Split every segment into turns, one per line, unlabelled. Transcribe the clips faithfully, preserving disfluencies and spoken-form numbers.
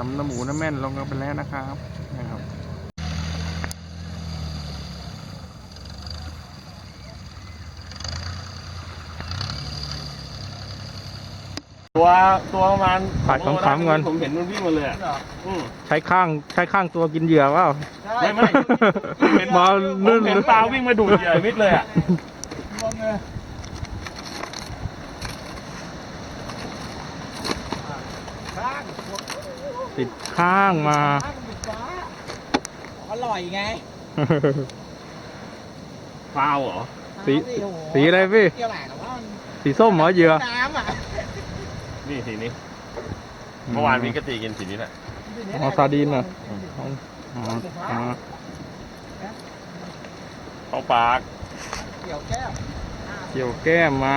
ำน้ำหมูน้ำแม่นลงกันไปแล้วนะครับนะครับ
ตัวตัวประมาณ
ผัดขำๆกัน
ผมเห็นมันวิ่งมาเลยอ่ะ
ใช้ข้างใช้ข้างตัวกินเหยื่อเปล่า
ไม่ไม่เห็น
มา
ผ
นึ่
ม
ง
เห็นปลาวิ่งมาดูดเหยื่อมิดเลยอ่ะ
ติดข้างมา
อร่อยไง
ฟาวเหรอ
สีสีอะไรพี่
เกี่ยวแหลกแต่ว่ามัน
สีส้มเหรอเหยื่อ
น้ำอ่ะ
นี่สีนี้เมื่อวานวิกตีกินสีนี้แหละ
อ๋อซาดีนเหรออ๋ออ๋ออ๋อ
เข้าปาก
เกี่ยวแก้ว
เกี่ยวแก้มมา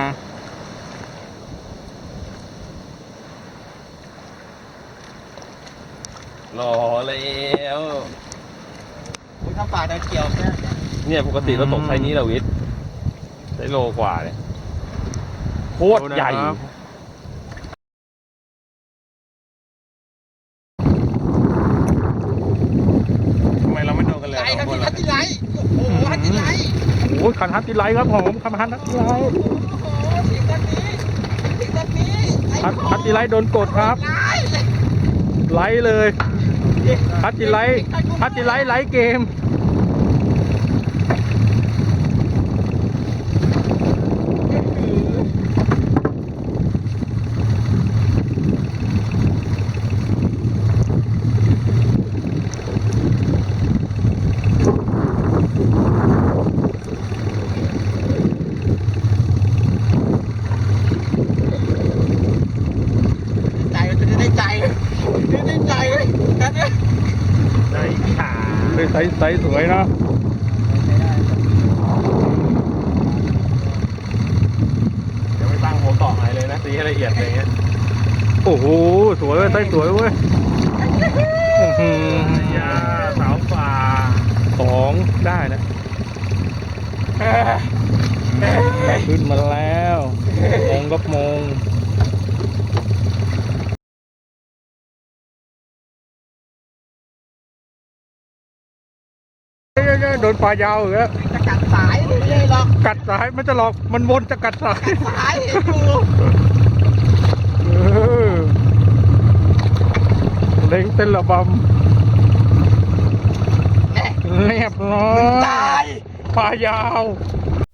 รอแล้ว
อุ้ยถ้าปลาได้เกี่ยวแก้ว
เนี่ยปกติเราตกไซส์นี้เราวิทย์ได้โลกว่าเลยโคตรใหญ่ทำไมเราไม่โดนกันเลย
ไก่
ส
ฮั
อน งคน
ติฮั
ล่ะ
ตติไลท์โอ้โหฮัตติไลท์
โอ้ยคันฮัตติไลท์ครับผมคันฮัตติไลท์
โอ้โหถึงกันนี้ถึงกันนี้
ฮัตฮัตติไลท์โดนกดครับ
ไล่เลย
ไลท์เลยฮัตติไลท์ฮัตติไลท์ไลท์เกม
ใจมันจะได้ใจจะได้ใจเลยกันเนี่ย
ได้ขา
เป็นไซส์ไซส์สวยนะ
เดี๋ยวไม่ตั้งหัวเกาะอะไรเลยนะตีให้ละเอียดอะไรเงี้ย
โอ้โหสวยเว้ยไซส์สวยเว้ยอื้อหือย
าสาวป่า
สองได้นะขึ้นมาแล้วมองกับมองโดนปลายาวอีกแล้ว
จะกัดสายเลยหรอก
กัดสายมันจะหลอกมันวนจะกัดสาย
สายเห็นอยู่
เออเล็งเต้นระบำเรียบร้อย
ตาย
ปลายาว